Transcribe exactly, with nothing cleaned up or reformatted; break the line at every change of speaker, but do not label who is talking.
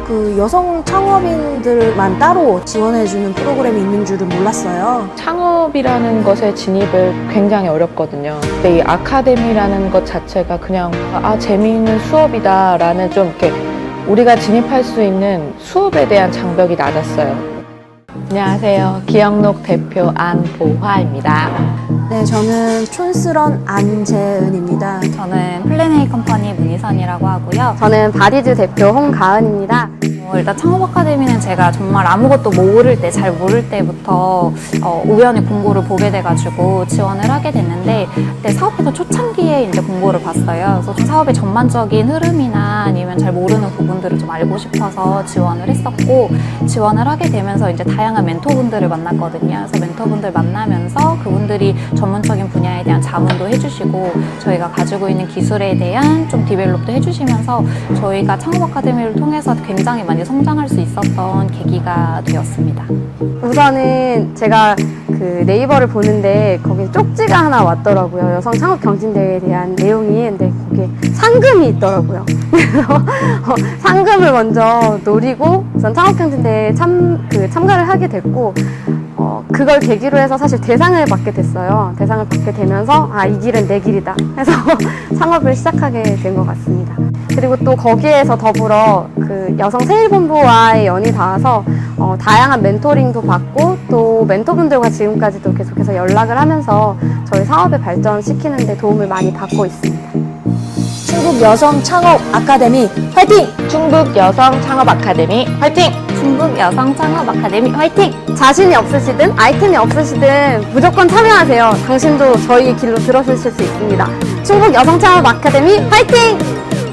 그 여성 창업인들만 따로 지원해주는 프로그램이 있는 줄은 몰랐어요.
창업이라는 것에 진입을 굉장히 어렵거든요. 근데 이 아카데미라는 것 자체가 그냥 아 재미있는 수업이다 라는 좀 이렇게 우리가 진입할 수 있는 수업에 대한 장벽이 낮았어요. 안녕하세요. 기영록 대표 안보화입니다.
네, 저는 촌스런 안재은입니다.
저는 플랜A 컴퍼니 문희선이라고 하고요.
저는 바디즈 대표 홍가은입니다.
어, 일단 창업 아카데미는 제가 정말 아무것도 모를 때, 잘 모를 때부터 어, 우연히 공고를 보게 돼가지고 지원을 하게 됐는데, 그때 사업회사 초창기에 이제 공고를 봤어요. 그래서 좀 사업의 전반적인 흐름이나 아니면 잘 모르는 부분들을 좀 알고 싶어서 지원을 했었고, 지원을 하게 되면서 이제 다양한 멘토분들을 만났거든요. 그래서 멘토분들 만나면서 그분들이 전문적인 분야에 대한 자문도 해주시고, 저희가 가지고 있는 기술에 대한 좀 디벨롭도 해주시면서 저희가 창업 아카데미를 통해서 굉장히 많이 성장할 수 있었던 계기가 되었습니다.
우선은 제가 그 네이버를 보는데 거기 쪽지가 하나 왔더라고요. 여성 창업 경진대회에 대한 내용이. 근데 거기에 상금이 있더라고요. 그래서 어, 상금을 먼저 노리고 우선 창업 경진대회에 참, 그 참가를 하게 됐고, 어, 그걸 계기로 해서 사실 대상을 받게 됐어요. 대상을 받게 되면서 아, 이 길은 내 길이다 해서 창업을 시작하게 된 것 같습니다. 그리고 또 거기에서 더불어 그 여성 세일본부와의 연이 닿아서 어, 다양한 멘토링도 받고 또 멘토분들과 지금까지도 계속해서 연락을 하면서 저희 사업을 발전시키는 데 도움을 많이 받고 있습니다.
충북 여성 창업 아카데미 화이팅!
충북 여성 창업 아카데미 화이팅!
충북 여성 창업 아카데미 화이팅!
자신이 없으시든 아이템이 없으시든 무조건 참여하세요. 당신도 저희 길로 들어서실 수 있습니다. 충북 여성 창업 아카데미 화이팅!